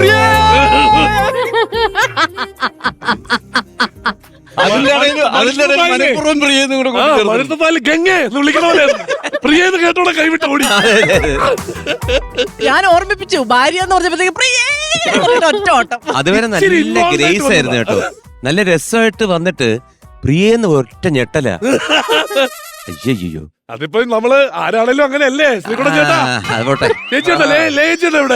കേട്ടോടെ കൈവിട്ട് ഓടി. ഞാൻ ഓർമ്മിപ്പിച്ചു ഭാര്യ എന്ന് പറഞ്ഞപ്പോഴത്തേക്ക് ഒറ്റ ഓട്ടം. അതുവരെ നല്ല ഗ്രേസ് ആയിരുന്നു കേട്ടോ, നല്ല രസമായിട്ട് വന്നിട്ട് പ്രിയെന്ന് ഒറ്റ ഞെട്ടല. അയ്യോ അതിപ്പോ നമ്മള് ആരാണേലും അങ്ങനെയല്ലേ ശ്രീകുട്ടൻ ചേട്ടാ? അതുപോട്ടെ, ചേച്ചിയുടെ ഇവിടെ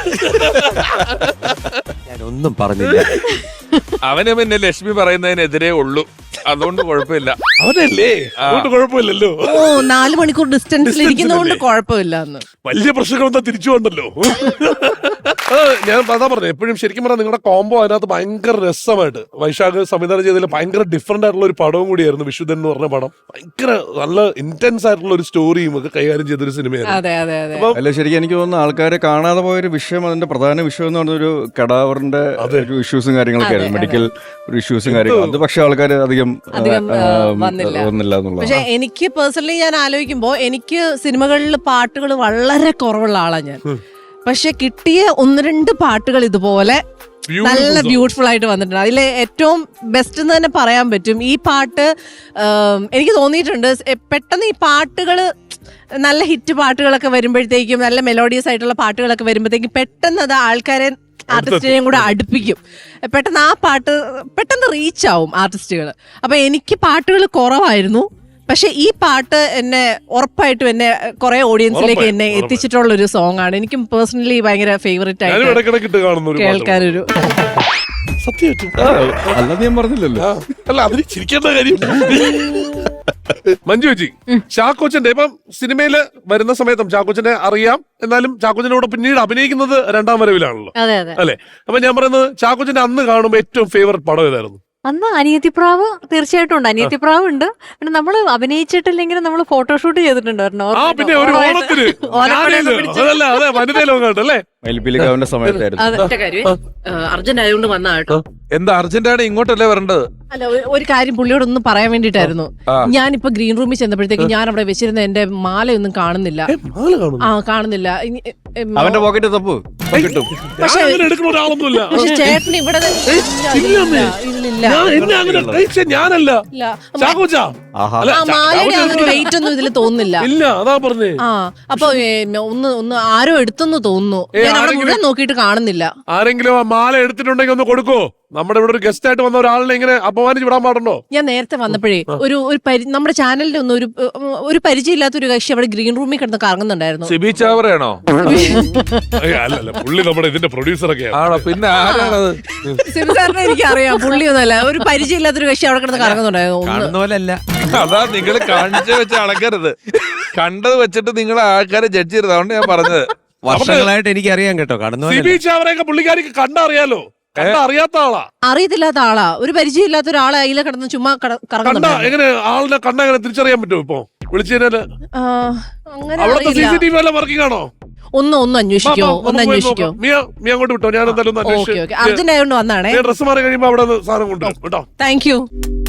ഞാനൊന്നും പറഞ്ഞില്ല. അവന് പിന്നെ ലക്ഷ്മി പറയുന്നതിനെതിരെ ഉള്ളൂ, അതുകൊണ്ട് കുഴപ്പമില്ല. അവനല്ലേ അതുകൊണ്ട് കുഴപ്പമില്ലല്ലോ. 4 മണിക്കൂർ ഡിസ്റ്റൻസിൽ ഇരിക്കുന്നതുകൊണ്ട് കുഴപ്പമില്ല. വലിയ പ്രശ്നങ്ങളെന്താ തിരിച്ചു വന്നല്ലോ. ഞാൻ അതാ പറഞ്ഞു, എപ്പോഴും ശരിക്കും പറഞ്ഞാൽ നിങ്ങളുടെ കോംബോ അതിനകത്ത് ഭയങ്കര രസമായിട്ട് വൈശാഖ് സംവിധാനം ചെയ്തതിൽ ഭയങ്കര ഡിഫറെന്റ് ആയിട്ടുള്ള ഒരു പടവും കൂടിയായിരുന്നു വിശുദ്ധൻ എന്ന് പറഞ്ഞ പടം. ഭയങ്കര നല്ല ഇന്റൻസ് ആയിട്ടുള്ള ഒരു സ്റ്റോറിയും ഒക്കെ കൈകാര്യം ചെയ്തൊരു സിനിമയായിരുന്നു. അല്ല, ശരിക്കും എനിക്ക് തോന്നുന്നു ആൾക്കാരെ കാണാതെ പോയൊരു വിഷയം, അതിന്റെ പ്രധാന വിഷയം എന്ന് പറഞ്ഞൊരു കടാവറിന്റെ ഒരു ഇഷ്യൂസും കാര്യങ്ങളൊക്കെ ആയിരുന്നു, മെഡിക്കൽ ഒരു ഇഷ്യൂസും കാര്യങ്ങളും. അത് പക്ഷെ ആൾക്കാർ അധികം വന്നില്ല എന്നുള്ളത്. പക്ഷെ എനിക്ക് പേഴ്സണലി ഞാൻ ആലോചിക്കുമ്പോ എനിക്ക് സിനിമകളിൽ പാട്ടുകൾ വളരെ കുറവുള്ള ആളാണ് ഞാൻ. പക്ഷെ കിട്ടിയ 1-2 പാട്ടുകൾ ഇതുപോലെ നല്ല ബ്യൂട്ടിഫുൾ ആയിട്ട് വന്നിട്ടുണ്ട്. അതിലെ ഏറ്റവും ബെസ്റ്റ് എന്ന് തന്നെ പറയാൻ പറ്റും. ഈ പാട്ട് എനിക്ക് തോന്നിയിട്ടുണ്ട് പെട്ടെന്ന് ഈ പാട്ടുകൾ നല്ല ഹിറ്റ് പാട്ടുകളൊക്കെ വരുമ്പോഴത്തേക്കും, നല്ല മെലോഡിയസ് ആയിട്ടുള്ള പാട്ടുകളൊക്കെ വരുമ്പോഴത്തേക്കും പെട്ടെന്ന് അത് ആൾക്കാരെ ആർട്ടിസ്റ്റിനെയും കൂടെ അടുപ്പിക്കും. പെട്ടെന്ന് ആ പാട്ട് പെട്ടെന്ന് റീച്ച് ആവും ആർട്ടിസ്റ്റുകൾ. അപ്പൊ എനിക്ക് പാട്ടുകൾ കുറവായിരുന്നു, പക്ഷെ ഈ പാട്ട് എന്നെ ഉറപ്പായിട്ടും എന്നെ കുറെ ഓഡിയൻസിലേക്ക് എന്നെ എത്തിച്ചിട്ടുള്ള ഒരു സോങ് ആണ്. എനിക്കും പേഴ്സണലി ഭയങ്കര ഫേവറേറ്റ് ആയിട്ട് കേൾക്കാനൊരു അല്ലാതെ ഞാൻ പറഞ്ഞില്ലല്ലോ. അല്ല, അതിന് ചിരിക്കേണ്ട കാര്യം. മഞ്ജു ചേച്ചി, ചാക്കോച്ചന്റെ ഇപ്പം സിനിമയില് വരുന്ന സമയത്തും ചാക്കോച്ചനെ അറിയാം, എന്നാലും ചാക്കോച്ചനോട് പിന്നീട് അഭിനയിക്കുന്നത് 2ാം വരവിലാണല്ലോ അല്ലെ? അപ്പൊ ഞാൻ പറയുന്നത്, ചാക്കോച്ചന്റെ അന്ന് കാണുമ്പോ ഏറ്റവും ഫേവറേറ്റ് പടം ഏതായിരുന്നു? അന്ന് അനിയത്തിപ്രാവ് തീർച്ചയായിട്ടും ഉണ്ട്. അനിയത്തിപ്രാവ് ഉണ്ട്. പിന്നെ നമ്മള് അഭിനയിച്ചിട്ടില്ലെങ്കിലും നമ്മള് ഫോട്ടോഷൂട്ട് ചെയ്തിട്ടുണ്ടായിരുന്നു. അർജന്റ് ആയതുകൊണ്ട് വന്ന കേട്ടോ. എന്താ അർജന്റാണ്? ഇങ്ങോട്ടല്ലേ വരേണ്ടത്? അല്ല, ഒരു കാര്യം പുള്ളിയോട് ഒന്ന് പറയാൻ വേണ്ടിട്ടായിരുന്നു. ഞാനിപ്പോ ഗ്രീൻ റൂമിൽ ചെന്നപ്പോഴത്തേക്ക് ഞാൻ അവിടെ വെച്ചിരുന്ന എന്റെ മാലയൊന്നും കാണുന്നില്ല. കാണുന്നില്ല. അവന്റെ പോക്കറ്റ് തപ്പു കിട്ടും. പക്ഷെ ചേട്ടൻ ഇവിടെ ഞാനല്ല മാലയുടെ വെയിറ്റ് ഒന്നും ഇതിൽ തോന്നുന്നില്ല. അപ്പൊ ഒന്ന് ആരോ എടുത്തെന്ന് തോന്നുന്നു. ഞാൻ അവിടെ മുഴുവൻ നോക്കിയിട്ട് കാണുന്നില്ല. ആരെങ്കിലും ആ മാല എടുത്തിട്ടുണ്ടെങ്കിൽ ഒന്ന് കൊടുക്കോ? നമ്മുടെ ഇവിടെ ഒരു ഗസ്റ്റ് ആയിട്ട് വന്ന ഒരാളിനെ ഇങ്ങനെ അപമാനിച്ച് വിടാൻ പാടുണ്ടോ? ഞാൻ നേരത്തെ വന്നപ്പോഴേ നമ്മുടെ ചാനലിന്റെ ഒന്നും ഒരു പരിചയമില്ലാത്ത ഒരു കക്ഷി അവിടെ ഗ്രീൻ റൂമിൽ കിടന്ന് കറങ്ങുന്നുണ്ടായിരുന്നു. സിബി ചാവറയാണോ? അല്ലല്ല, പുള്ളി നമ്മുടെ ഇതിന്റെ പ്രൊഡ്യൂസറൊക്കെ ആണോ? പിന്നെ ആരാണത്? സിബി സാറിനെ എനിക്കറിയാം, പുള്ളിയൊന്നല്ല. ഒരു പരിചയമില്ലാത്തൊരു കക്ഷി അവിടെ കിടന്ന് കറങ്ങുന്നുണ്ടായിരുന്നു. അതാ നിങ്ങൾ കാണിച്ചു വെച്ച് അളക്കരുത്, കണ്ടത് വെച്ചിട്ട് നിങ്ങൾ ആൾക്കാരെ ജഡ്ജ് ചെയ്തത്. അതുകൊണ്ട് ഞാൻ പറഞ്ഞത്, വർഷങ്ങളായിട്ട് എനിക്ക് അറിയാം കേട്ടോ. സിബി ചാവറയൊക്കെ പുള്ളിക്കാരിക്ക് കണ്ടറിയാലോ, അറിയാത്ത ആളാ, അറിയത്തില്ലാത്ത ആളാ, ഒരു പരിചയമില്ലാത്ത ഒരാളെ അതിലെ കിടന്ന് ചുമ്മാ കറങ്ങുന്നുണ്ട്. എങ്ങനെ ആളിനെ കണ്ട എങ്ങനെ തിരിച്ചറിയാൻ പറ്റുമോ? ഇപ്പൊ വിളിച്ചതിന് അവിടുത്തെ CCTV എല്ലാം വർക്കിംഗ് ആണോ? ഒന്ന് അന്വേഷിക്കോ. നീ അങ്ങോട്ട് വിട്ടോ, ഞാൻ എന്തായാലും അർജന്റ് ആയതുകൊണ്ട് വന്നാണേ. ഡ്രസ് മാറി കഴിയുമ്പോ അവിടെ സാധനം കൊണ്ടുവരും കേട്ടോ. Thank U.